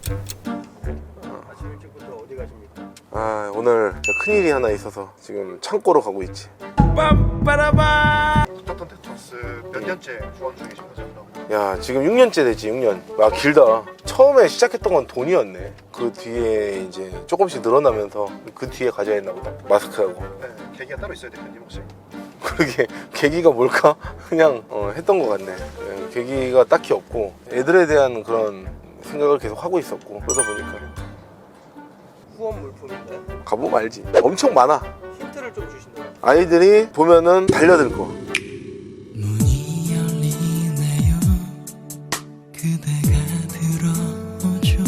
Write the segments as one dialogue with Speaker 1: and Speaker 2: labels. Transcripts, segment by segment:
Speaker 1: 아침 일찍부터 어디 가십니까?
Speaker 2: 아, 오늘 큰일이 하나 있어서 지금 창고로 가고 있지. 빰빠라밤.
Speaker 1: 스타턴 테토스 몇 년째 후원 중이신 거죠?
Speaker 2: 야, 지금 6년째 됐지. 6년. 아, 길다. 처음에 시작했던 건 돈이었네. 그 뒤에 이제 조금씩 늘어나면서 그 뒤에 가져야 했나 보다. 마스크하고.
Speaker 1: 네, 계기가 따로 있어야 대표님 혹시?
Speaker 2: 그러게 계기가 뭘까? 그냥 했던 것 같네. 예, 계기가 딱히 없고 애들에 대한 그런 생각을 계속 하고 있었고, 그러다 보니까
Speaker 1: 후원 물품인데
Speaker 2: 가보면 알지. 엄청 많아.
Speaker 1: 힌트를 좀 주신다면?
Speaker 2: 아이들이 보면은 달려들 거.
Speaker 3: 문이 열리네요. 그대가 들어오죠.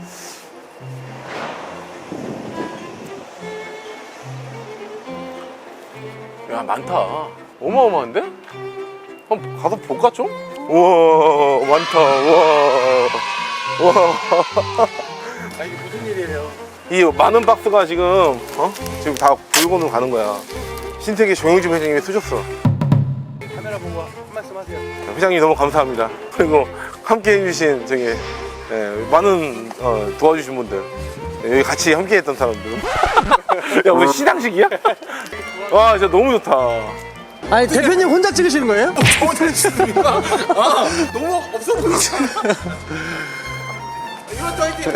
Speaker 2: 야, 많다. 어마어마한데? 한번 가서 볼까 좀? 우와, 많다. 우와.
Speaker 1: 아 이게 무슨 일이에요?
Speaker 2: 이 많은 박스가 지금 지금 다 불고는 가는 거야. 신세계 정영진 회장님이 쓰셨어.
Speaker 1: 카메라 보고 한 말씀 하세요.
Speaker 2: 회장님 너무 감사합니다. 그리고 함께 해주신 저기 많은 도와주신 분들, 여기 같이 함께 했던 사람들. 야, 우리 시상식이야? 와, 진짜 너무 좋다.
Speaker 4: 아니 대표님 혼자 찍으시는 거예요?
Speaker 2: 저번에 찍습니까? 아, 너무 없어 보이잖아. 이것도 화이팅!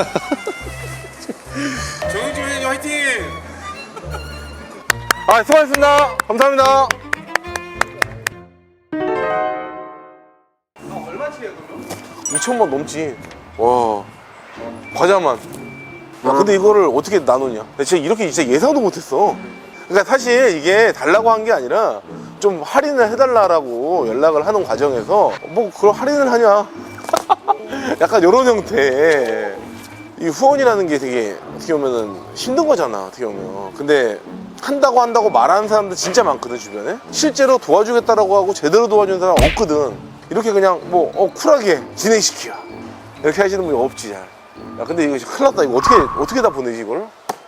Speaker 2: 정영진 회장님 화이팅! 아, 수고하셨습니다. 감사합니다.
Speaker 1: 얼마치예요 그러면?
Speaker 2: 2,000원 넘지. 와, 과자만. 야, 근데 이거를 어떻게 나누냐? 나 진짜 이렇게 진짜 예상도 못했어. 그러니까 사실 이게 달라고 한 게 아니라 좀 할인을 해달라고 연락을 하는 과정에서 뭐 그런 할인을 하냐? 약간 이런 형태. 이 후원이라는 게 되게 어떻게 보면은 힘든 거잖아, 어떻게 보면. 근데 한다고 말하는 사람들 진짜 많거든, 주변에. 실제로 도와주겠다라고 하고 제대로 도와주는 사람 없거든. 이렇게 그냥 뭐 쿨하게 진행시켜 이렇게 하시는 분이 없지 잘. 야, 근데 이거 큰일 났다. 이거 어떻게 다 보내지 이걸?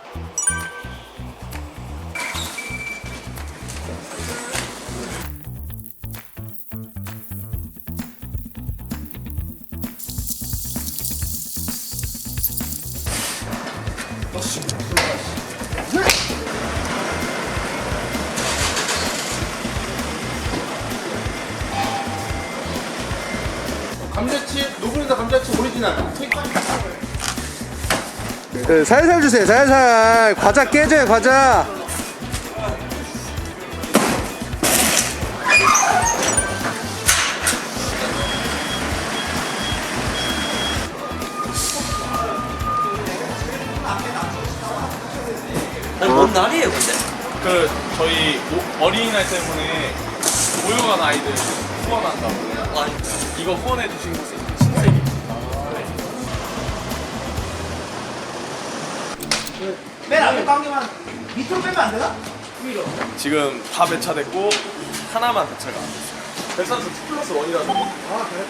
Speaker 2: 감자칩, 노브랜드 감자칩 오리지널.
Speaker 4: 살살 주세요. 살살. 과자 깨져요. 과자.
Speaker 5: 뭔 날이에요 근데?
Speaker 6: 저희 어린이날 때문에 모여간 아이들 후원한다고.
Speaker 5: 아니
Speaker 6: 이거 후원해 주신 곳이 신세계.
Speaker 1: 맨 앞에 관계만 밑으로 빼면 안 되나? 위로.
Speaker 6: 지금 다 배차됐고 하나만 배차가 안 됐어요. 배차는 2+1이라서.
Speaker 1: 아 그래?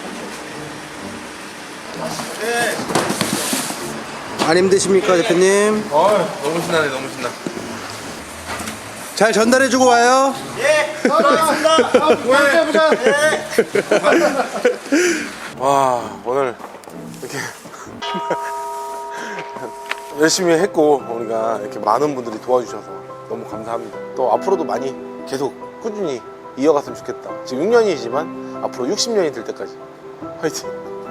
Speaker 4: 안 힘드십니까 대표님?
Speaker 2: 너무 신나네, 너무 신나.
Speaker 4: 잘 전달해주고 와요.
Speaker 1: 예! 알겠습니다. 다음 보자. 예!
Speaker 2: 와, 오늘 이렇게 열심히 했고 우리가 이렇게 많은 분들이 도와주셔서 너무 감사합니다. 또 앞으로도 많이 계속 꾸준히 이어갔으면 좋겠다. 지금 6년이지만 앞으로 60년이 될 때까지 화이팅.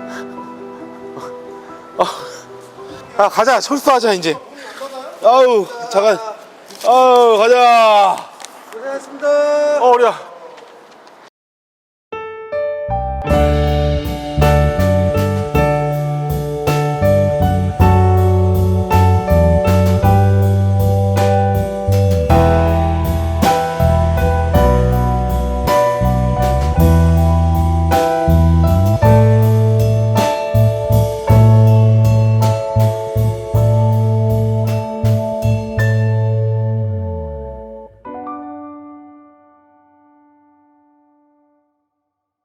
Speaker 2: 가자. 철수하자 이제. 아우, 잠깐. 아우, 가자.
Speaker 4: 고생하셨습니다.
Speaker 2: 어리야.